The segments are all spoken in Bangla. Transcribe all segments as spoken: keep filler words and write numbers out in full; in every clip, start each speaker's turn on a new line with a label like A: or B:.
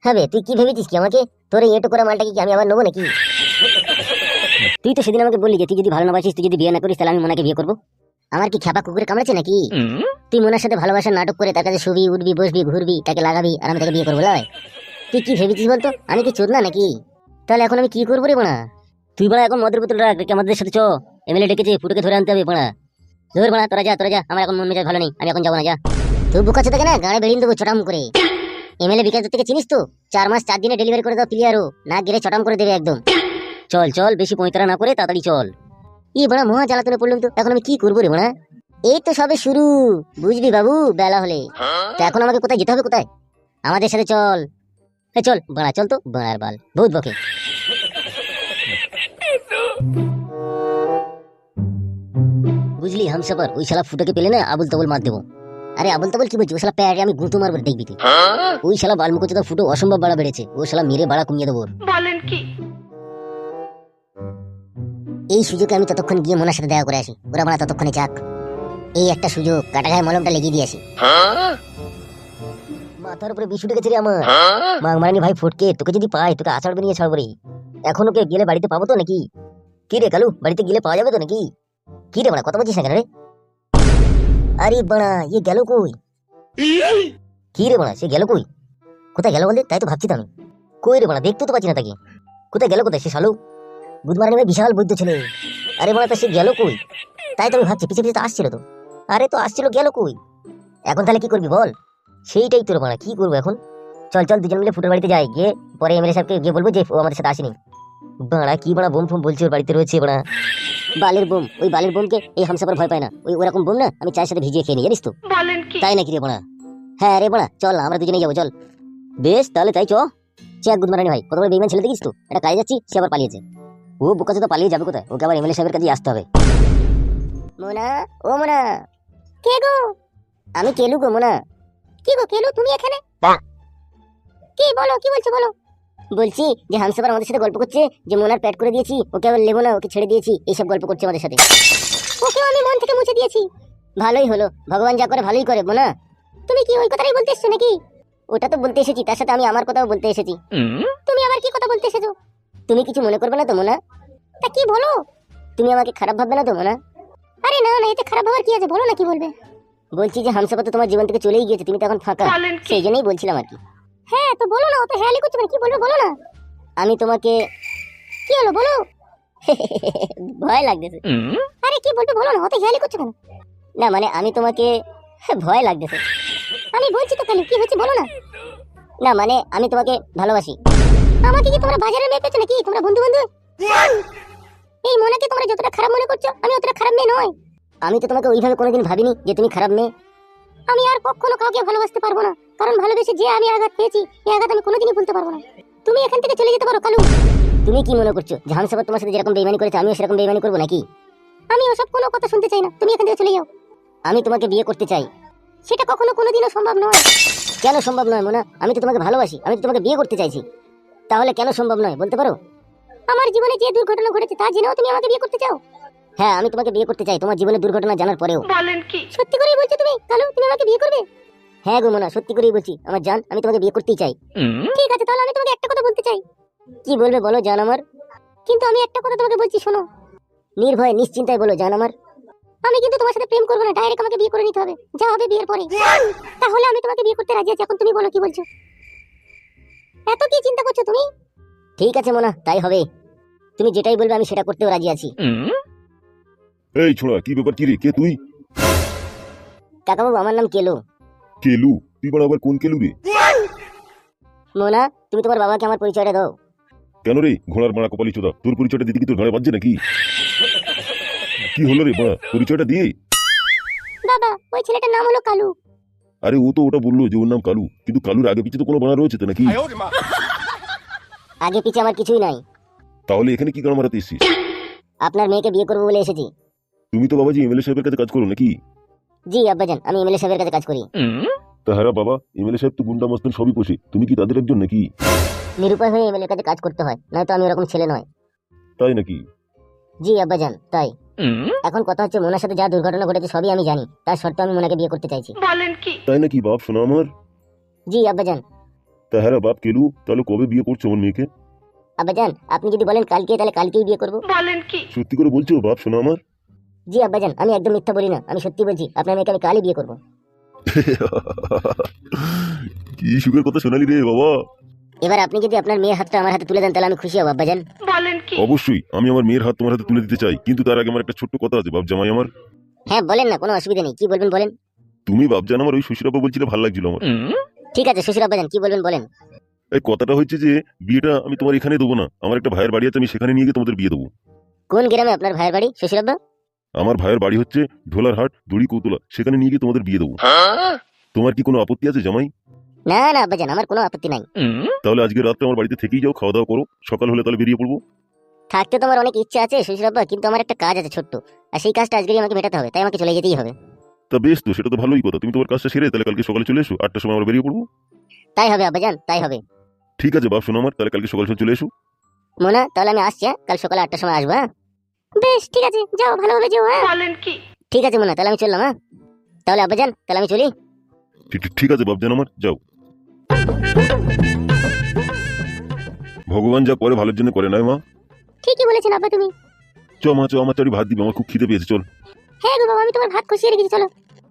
A: হ্যাঁ বে, তুই কি ভেবেছিস কি আমাকে? তোর এই এটো করে মালটাকে কি আমি আবার নেবো নাকি? তুই তো সেদিন আমাকে বললি যে তুই যদি ভালো না বাসিস, তুই যদি বিয়ে না করিস, তাহলে আমি মোনাকে বিয়ে করবো। আমার কি খ্যাপা কুকুরে কামড়েছে নাকি? তুই মোনার সাথে ভালোবাসার নাটক করে তার কাছে শুবি, উঠবি, বসবি, ঘুরবি, তাকে লাগাবি, আর আমি তাকে বিয়ে করবো? লয়, তুই কি ভেবেছিস বলতো? আমি কি চোদ না নাকি? তাহলে এখন আমি কি করবো রে বোনা? তুই বড়া এখন মদের বোতল রাখ, আমাদের সাথে চ। এমএলএ ডেকেছে, ফুটোকে ধরে আনতে হবে বোনা। ধর বোনা, তোরা যা, তোরা যা, আমার এখন মন মেজাজ ভালো নেই, আমি এখন যাবো না, যা। তুই বুকাচ্ছে থাকে না, গাড়ি বেরিয়ে দেবো চটাম করে। এমএলএ বিকাশ থেকে চিনিস তো? চার মাস চার দিনে ডেলিভারি করে দাও ক্লিয়ারও না, গেলে চটাম করে দেবে একদম। চল চল, বেশি পঁয়তারা না করে তাড়াতাড়ি চল। ই বড়া মহা জ্বালাতনে পড়লাম তো, এখন আমি কি করবো রে বোনা? এই তো সবে শুরু, বুঝবি বাবু বেলা হলে। তো এখন আমাকে কোথায় যেতে হবে? কোথায়? আমাদের সাথে চল। এ চল বড়া, চল তো, বড়ার বাল বহুত বকে। বুঝলি হামসাফার, ওই শালা ফুটোকে পেলে না আবুল তাবুল মার দেবো। আরে আবুল তাবুল কি বলছি, ওই শালা প্যারে আমি গুঁতো মারবো, দেখবি তুই। ওই শালা বালমুখোচোদা ফুটো অসম্ভব বাড়া বেড়েছে, ও শালা মেরে বাড়া কমিয়ে দেবো। বলেন কি? এই সুযোগে আমি ততক্ষণ গিয়ে মোনার সাথে দেখা করে আসি, ওরা বাড়া ততক্ষণে যাক। এই একটা সুযোগ, কাটা গায়ে মলমটা লেগে দিয়ে আসি। মাথার উপরে বিষ উঠে গেছে রে আমার। মাগ মারানি ভাই ফটকে, তোকে যদি পাই তোকে আছাড় বেরিয়ে ছাড়বো রে। এখন ওকে গেলে বাড়িতে পাবো তো নাকি? কি রে কালু, বাড়িতে গেলে পাওয়া যাবে তো নাকি? কি রে বাড়া, কথা বলছিস না কেন রে? আরে বাড়া, ইয়ে গেল কই? কি রে বাড়া, সে গেল কই? কোথায় গেল বলতে? তাই তো ভাবছি তো আমি। কই রে বাড়া, দেখতে তো পাচ্ছি না তাকে। কোথায় গেল, কোথায় সে শালু? গুদমারানি ভাই বিশাল বৈদ্য ছেলে। আরে বাড়া, তা সে গেল কই? তাই তো আমি ভাবছি, পিছিয়ে পিছিয়ে তো আসছিল তো। আরে তো আসছিল, গেল কই? এখন তাহলে কি করবি বল? সেইটাই তোর বাড়া, কি করবো এখন? চল চল, দুজন মিলে ফুটোর বাড়িতে যাই, গিয়ে পরে এমএলএ সাহেবকে গিয়ে বলবো যে ও আমাদের সাথে আসেনি। বাড়া কি বাড়া বোম ফোম বলছে ওর বাড়িতে রয়েছে বাড়া। বালের বোম, ওই বালের বোমকে এই হামসাফার ভয় পায় না। ওই ওরকম বোম না আমি চায়ের সাথে ভিজিয়ে খেয়ে নিই, জানিস তো? তাই নাকি রে বাড়া? হ্যাঁ রে বাড়া, চল আমরা দুজনেই যাবো, চল। বেশ তাহলে তাই চ। চেক গুদমারানি ভাই, কত বড় বেইমান ছেলে দেখিস তো? এটা কাজে যাচ্ছি, সে আবার পালিয়েছে। ও বোকাচোদা তো পালিয়ে যাবে কোথায়? ওকে আবার এমএলএ সাহেবের কাছে আসতে হবে। মোনা, ও মোনা। কে গো? আমি কেলু গো মোনা। কি গো কেলু, তুমি এখানে? কি বলো, কি বলছো বলো। বলছি যে হামসাফার আমাদের সাথে গল্প করছে যে মোনার প্যাড করে দিয়েছি, ওকে আবার লেবো না, ওকে ছেড়ে দিয়েছি, এইসব গল্প করছে আমাদের সাথে। ওকে আমি মন থেকে মুছে দিয়েছি। ভালোই হলো, ভগবান যা করে ভালোই করে মোনা। তুমি কি ওই কথাই বলতে এসেছো নাকি? ওটা তো বলতে এসেছি, তার সাথে আমি আমার কথাও বলতে এসেছি। তুমি আবার কি কথা বলতে এসেছো? তুমি কিছু মনে করবে না তো মোনা? তা কি বলো? তুমি আমাকে খারাপ ভাববে না তো মোনা? আরে না না, এতে খারাপ ভাবার কি আছে, বলো না কি বলবে। বলছি যে হামসাফার তো তোমার জীবন থেকে চলেই গিয়েছে, তুমি তো এখন ফাঁকা, সেই জন্যই বলছিলাম আর কি। হ্যাঁ তো বলো না, অত হেয়ালি করছো না, কি বলবে বলো না। আমি তোমাকে, কি হলো বলো। ভয় লাগতেছে। আরে কি বলবে বলো না, অত হেয়ালি করছো কেন? না মানে আমি তোমাকে ভয় লাগতেছে। আমি বলছি তো কেন, কি হচ্ছে বলো না। না মানে আমি তোমাকে ভালোবাসি। আমাকে কি তোমরা বাজারে মেয়ে পেয়েছো নাকি? তোমরা বন্ধু বন্ধু? এই মনেকে তোমরা যতটা খারাপ মনে করছো, আমি অতটা খারাপ মেয়ে নয়। আমি তো তোমাকে ওইভাবে কোনোদিন ভাবিনি যে তুমি খারাপ মেয়ে। আমি আর কখনো কাউকে ভালোবাসতে পারবো না, কারণ ভালোবেসে যে আমি আঘাত পেয়েছি, এই আঘাত আমি কোনোদিনই ভুলতে পারবো না। তুমি এখান থেকে চলে যেতে পারো কালু। তুমি কি মনে করছো যে হামসাফার তোমার সাথে যেরকম বেইমানি করেছে আমিও সেরকম বেইমানি করবো নাকি? আমি ওসব কোনো কথা শুনতে চাই না, তুমি এখান থেকে চলে যাও। আমি তোমাকে বিয়ে করতে চাই। সেটা কখনো কোনোদিনও সম্ভব নয়। কেন সম্ভব নয় মোনা? আমি তো তোমাকে ভালোবাসি, আমি তো তোমাকে বিয়ে করতে চাইছি। তাহলে কেন সম্ভব নয় বলতে পারো? আমার জীবনে যে দুর্ঘটনা ঘটেছে তা জেনেও তুমি আমাকে বিয়ে করতে চাও? হ্যাঁ আমি তোমাকে বিয়ে করতে চাই, তোমার জীবনের দুর্ঘটনা জানার পরেও। বলেন কি? সত্যি করেই বলছো তুমি কালু, তুমি আমাকে বিয়ে করবে? হ্যাঁ গো মোনা, সত্যি করেই বলছি আমার জান, আমি তোমাকে বিয়ে করতেই চাই। ঠিক আছে তাহলে আমি তোমাকে একটা কথা বলতে চাই। কি বলবে বলো জান আমার। কিন্তু আমি একটা কথা তোমাকে বলছি শোনো। নির্ভয়ে নিশ্চিন্তায় বলো জান আমার। আমি কিন্তু তোমার সাথে প্রেম করবো না, ডাইরেক্ট আমাকে বিয়ে করে নিতে হবে, যা হবে বিয়ের পরে। তাহলে আমি তোমাকে বিয়ে করতে রাজি আছি, এখন তুমি বলো কি বলছো। এত কি চিন্তা করছো তুমি? ঠিক আছে মোনা, তাই হবে। তুমি যেটাই বলবে আমি সেটা করতেও রাজি আছি।
B: এই ছোড়া, কি ব্যাপার? কি রে, কে তুই?
A: কাকাবাবু আমার নাম কেলু।
B: কেলু? তুই বড় আবার কোন কেলু রে?
A: মোনা তুমি তোমার বাবাকে আমার পরিচয়টা দাও।
B: কেন রে ঘোড়ার মারা কপালি চোদা, তোর পরিচয়টা দিতে কি তোর ঘরে বাজছে নাকি? কি হলো রে মারা, পরিচয়টা দিয়ে।
A: বাবা ওই ছেলেটার নাম হলো কালু।
B: আরে ও তো ওটা বললো যে ওর নাম কালু, কিন্তু কালুর আগে পিছে তো কোনো বানা রয়েছে তো নাকি?
A: আগে পিছে আমার কিছুই নাই।
B: তাহলে এখানে কি গান মারাতে এসেছিস?
A: আপনার মেয়েকে বিয়ে করবো বলে এসেছি।
B: তুমি তো বাবাজি এমএলএ সাহেবের কাছে কাজ করো নাকি?
A: জি আব্বাজান, আমি এমএলএ সাহেবের কাছে কাজ করি।
B: তা হ্যাঁ বাবা, এমএলএ সাহেব তো গুন্ডা মস্তান সবই পোষে, তুমি কি তাদের একজন নাকি?
A: নিরুপায় হয়ে এমএলএ কাছে কাজ করতে হয়, নয়তো আমি ওরকম ছেলে নয়।
B: তাই নাকি?
A: জি আব্বাজান তাই। এখন কথা হচ্ছে মোনার সাথে যা দুর্ঘটনা ঘটেছে সবই আমি জানি, তার সত্ত্বেও আমি মোনাকে বিয়ে করতে চাইছি।
B: তাই নাকি বাপ শোনা আমার?
A: জি আব্বাজান।
B: তা হ্যাঁ রে বাপ কেলু, তাহলে কবে বিয়ে করছো আমার মেয়েকে?
A: আব্বাজান আপনি যদি বলেন কালকে, তাহলে কালকেই বিয়ে করবো।
B: সত্যি করে বলছো বাপ শোনা আমার?
A: জি আব্বাজান, আমি একদম মিথ্যা বলি না, আমি সত্যি বলছি, আপনার মেয়েকে আমি কালই বিয়ে করবো।
B: কি সুখের কথা শোনালি রে বাবা।
A: এবার আপনি যদি আপনার মেয়ের হাতটা আমার হাতে তুলে দেন তাহলে আমি খুশি হব আব্বাজান।
B: অবশ্যই আমি আমার মেয়ের হাত তোমার হাতে তুলে দিতে চাই, কিন্তু তার আগে আমার একটা ছোট্ট কথা আছে বাপ জামাই আমার।
A: হ্যাঁ বলেন না, কোনো অসুবিধা নেই, কি বলবেন বলেন।
B: তুমি বাপজান আমার ওই শ্বশুরাব্বা বলছিলে, ভালো লাগছিল আমার।
A: ঠিক আছে শ্বশুর আব্বাজান, কি বলবেন বলেন।
B: এই কথাটা হচ্ছে যে বিয়েটা আমি তোমার এখানে দেবো না, আমার একটা ভাইয়ের বাড়ি আছে, আমি সেখানে নিয়ে গিয়ে তোমাদের বিয়ে দেবো।
A: কোন গ্রামে আপনার ভাইয়ের বাড়ি শ্বশুর আব্বা?
B: আমার ভাইয়ের বাড়ি হচ্ছে ঢোলারহাট দড়ি কৌতলা, সেখানে নিয়ে গিয়ে তোমাদের বিয়ে দেবো। তোমার কি কোনো আপত্তি আছে জামাই?
A: না না আব্বাজান, আমার কোনো আপত্তি নাই।
B: তাহলে আজকে রাত্রে আমার বাড়িতে থেকেই যাও, খাওয়া দাওয়া করো, সকাল হলে তাহলে বেরিয়ে পড়বো।
A: থাকতে তো আমার অনেক ইচ্ছা আছে শ্বশুর আব্বা, কিন্তু আমার একটা কাজ আছে ছোট্ট, আর সেই কাজটা আজকেই আমাকে মেটাতে হবে, তাই আমাকে চলে যেতেই হবে।
B: তা বেশ, তো সেটা তো ভালোই কথা, তুমি তোমার কাজটা সেরে তাহলে কালকে সকালে চলে এসো, আটটার সময় আমরা বেরিয়ে পড়বো।
A: তাই হবে আব্বাজান, তাই হবে।
B: ঠিক আছে বাপ শোনো আমার, তাহলে কালকে সকাল সকাল চলে এসো।
A: মোনা তাহলে আমি আসছি, হ্যাঁ? কাল সকালে আটটার সময় আসবো। হ্যাঁ বেশ ঠিক আছে, যাও ভালোভাবে যাও। হ্যাঁ ঠিক আছে মোনা, তাহলে আমি চললাম। হ্যাঁ তাহলে আব্বাজান, তাহলে আমি চলি।
B: ঠিক ঠিক- ঠিক আছে বাপজান আমার, যাও। ভগবান যা করে ভালোর জন্য করে, নয় মা?
A: ঠিকই বলেছেন আব্বা তুমি।
B: চ মা চ, আমার চারি ভাত দিবে, আমার খুব খিদে পেয়েছে, চল।
A: হ্যাঁ গো বাবা, আমি তোমার ভাত কষিয়ে রেখেছি, চলো।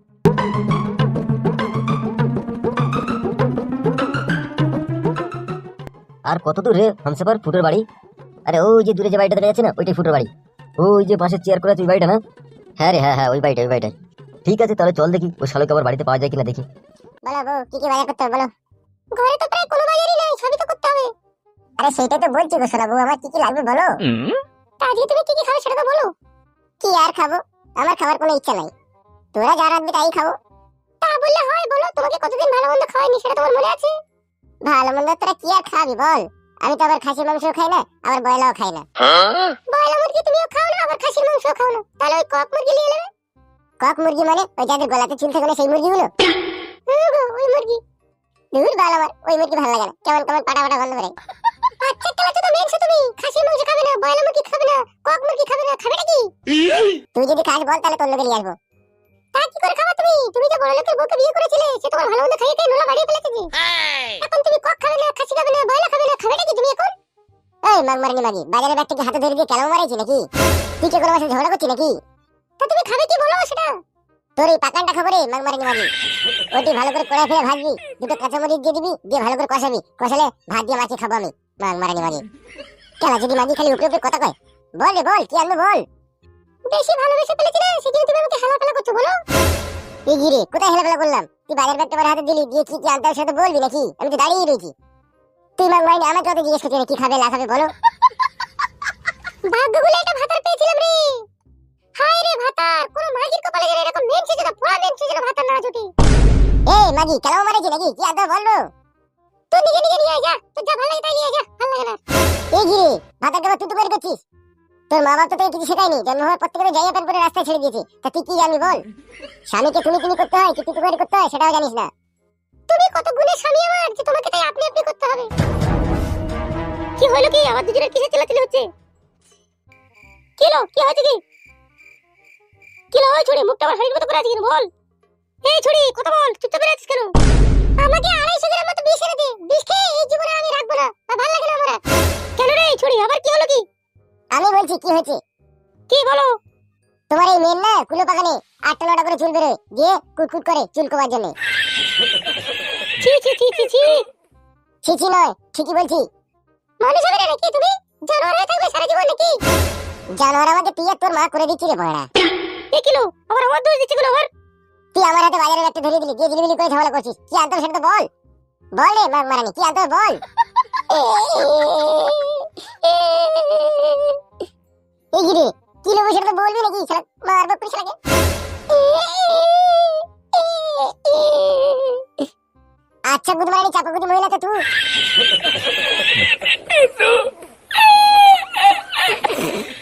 A: আর কত দূর রে হামসাফার ফুটোর বাড়ি? আরে ওই যে দূরে যে বাড়িটা দেখা যাচ্ছে না, ওইটাই ফুটোর বাড়ি। ওই যে পাশে চেয়ার করে আছে ওই বাড়িটা না? হ্যাঁ রে হ্যাঁ হ্যাঁ, ওই বাড়িটা ওই বাড়িটা। ঠিক আছে তাহলে চল দেখি ওই শালোকে আবার বাড়িতে পাওয়া যায় কিনা দেখি। বলো বউ, কি কি বাজার করতে হবে বলো। ঘরে তো প্রায় কোনো বাজারই নেই, সবই তো করতে হবে। আরে সেটাই তো বলছি গো সোনা বউ, আমার কি কি লাগবে বলো। তা আজকে তুমি কি কি খাবে সেটা তো বলো। কি আর খাবো, আমার খাবার কোনো ইচ্ছা নাই, তোরা যা রাখবি তাই খাবো। তা বললে হয় বলো, তোমাকে কতদিন ভালো মন্দ খাওয়াইনি সেটা তোমার মনে আছে? ভালো মন্দ তোরা কি আর খাবি বল, আমি তো আবার খাসির মাংস খাই না, আবার বয়লাও খাই না। বয়লা মুরগি তুমিও খাও না, আবার খাসির মাংস খাও না, তাহলে ওই কক মুরগি নিয়ে নেবে। কক মুরগি মানে ওই যাদের গলাতে চুল থাকে না সেই মুরগিগুলো? হ্যাঁ গো, ওই মুরগি। দূর বাল, আমার ওই মুরগি ভালো লাগে না, কেমন কেমন পাটা পাটা গন্ধ করে। আচ্ছা তাহলে তো মেনছো তুমি, খাসির মাংস খাবে না, বয়লা মুরগি খাবে না, কক মুরগি খাবে না, খাবেটা কি? তুই যদি খাস বল, তাহলে তোর লোকে নিয়ে আসবো। তা কি করে খাবা তুমি? তুমি যে বড় লোকের বউকে বিয়ে করেছিলে, সে তোমার ভালো মন্দ খাইয়ে খাইয়ে নোলা বাড়িয়ে ফেলেছে যে। এখন তুমি কক খাবে না, খাসি খাবে না, বয়লা খাবে না, খাবেটা কি তুমি এখন? এই মাগমারানি মাগি, বাজারে ব্যাগটা কি হাতে ধরে দিয়ে কেলাম মারাইছি নাকি? তুই কি কোনো মাসে ঝগড়া করছিস নাকি? তা তুমি খাবে কি বলো সেটা? তোর এই পাকানটা খবরে মাগমারানি মাগি, ওটি ভালো করে কড়াই ফেলে ভাজবি, দুটো কাঁচামরিচ দিয়ে দিবি, দিয়ে ভালো করে কষাবি, কষালে ভাত দিয়ে মাছি খাবো আমি। মাগমারানি মাগি কেলা যদি মাগি খালি উপরে উপরে কথা কয়। বল রে বল, কি আনবো বল। বেশি ভালোবেসে ফেলেছি না, সেদিন তুমি আমাকে হেলা ফেলা করছো বলো। এই গিরে কোথায় হেলা ফেলা করলাম? তুই বাজার ব্যাগটা আমার হাতে দিলি, দিয়ে কি কি আনতে হবে সেটা বলবি নাকি? আমি তো দাঁড়িয়ে রয়েছি। তুই মাগমারানি আমাকে অত জিজ্ঞেস করছিস কি খাবে না খাবে বলো। ভাগ্যগুলো একটা ভাতার পেয়েছিলাম রে। হায় রে ভাতার, কোন মাগির কপালে গেলে এরকম মেন ছিল না, পুরা মেন ছিল ভাতার না জুটি। এই মাগি কেলাম মারাইছি নাকি? কি আনতে বলবো? তুই নিজে নিজে নিয়ে আয় যা, তোর যা ভালো লাগে তাই নিয়ে আয় যা, ভালো লাগে না। এই গিরে ভাতার কেবল তুই তো বের করছিস, তোর মা বাপ তো তোকে কিছু শেখায়নি, জন্ম হওয়ার পর থেকে যাইয়া প্যান্ট পরে রাস্তায় ছেড়ে দিয়েছে। তা তুই কি জানবি বল? স্বামীকে তুমি তুমি করতে হয় কি তুই তুই করতে হয় সেটাও জানিস না। তুমি কত গুণের স্বামী আমার যে তোমাকে তাই আপনি আপনি করতে হবে। কি হলো কি, আমার দুজনের কিসে চেলাচেলি হচ্ছে? কি হলো, কি হয়েছে কি? কি হলো ওই ছুরি, মুখটা আমার হাড়ির মতো করে আছে কেন বল। এই ছুরি কথা বল, চুপচাপ বেরিয়ে আছিস কেন? আমাকে আড়াইশো গ্রাম মতো বিষ এনে দে, বিষ খেয়ে এই জীবনে আমি রাখবো না, আর ভালো লাগে না আমার। কেন রে এই ছুরি, আবার কি হলো কি? আমি বলছি কি হয়েছে। কি বলো? তোমার এই মেন না কুলো বাগানে আটটা নটা করে চুল বেরোয়, দিয়ে কুটকুট করে চুল কোবার জন্য। ছি ছি ছি ছি ছি ছি ছি নয়, ঠিকই বলছি। মানুষ হবে না নাকি তুমি? জানোয়ার হয়ে থাকবে সারা জীবন নাকি? জানোয়ার আমাকে তুই আর তোর মা করে দিচ্ছি রে বড়া। এ কিলো আবার আমার দোষ দিচ্ছি গুলো আবার। তুই আমার হাতে বাজারে একটা ধরে দিলি, দিয়ে জিলিবিলি করে ঝামেলা করছিস, কি আনতে সেটা তো বল। বল রে মাগ মারানি, কি আনতে বল। এই গিরে কি লোক সেটা তো বলবি নাকি? শালা মারবো করিস লাগে। আচ্ছা গুদমারানি চাপাগুদি মহিলা তো তুই।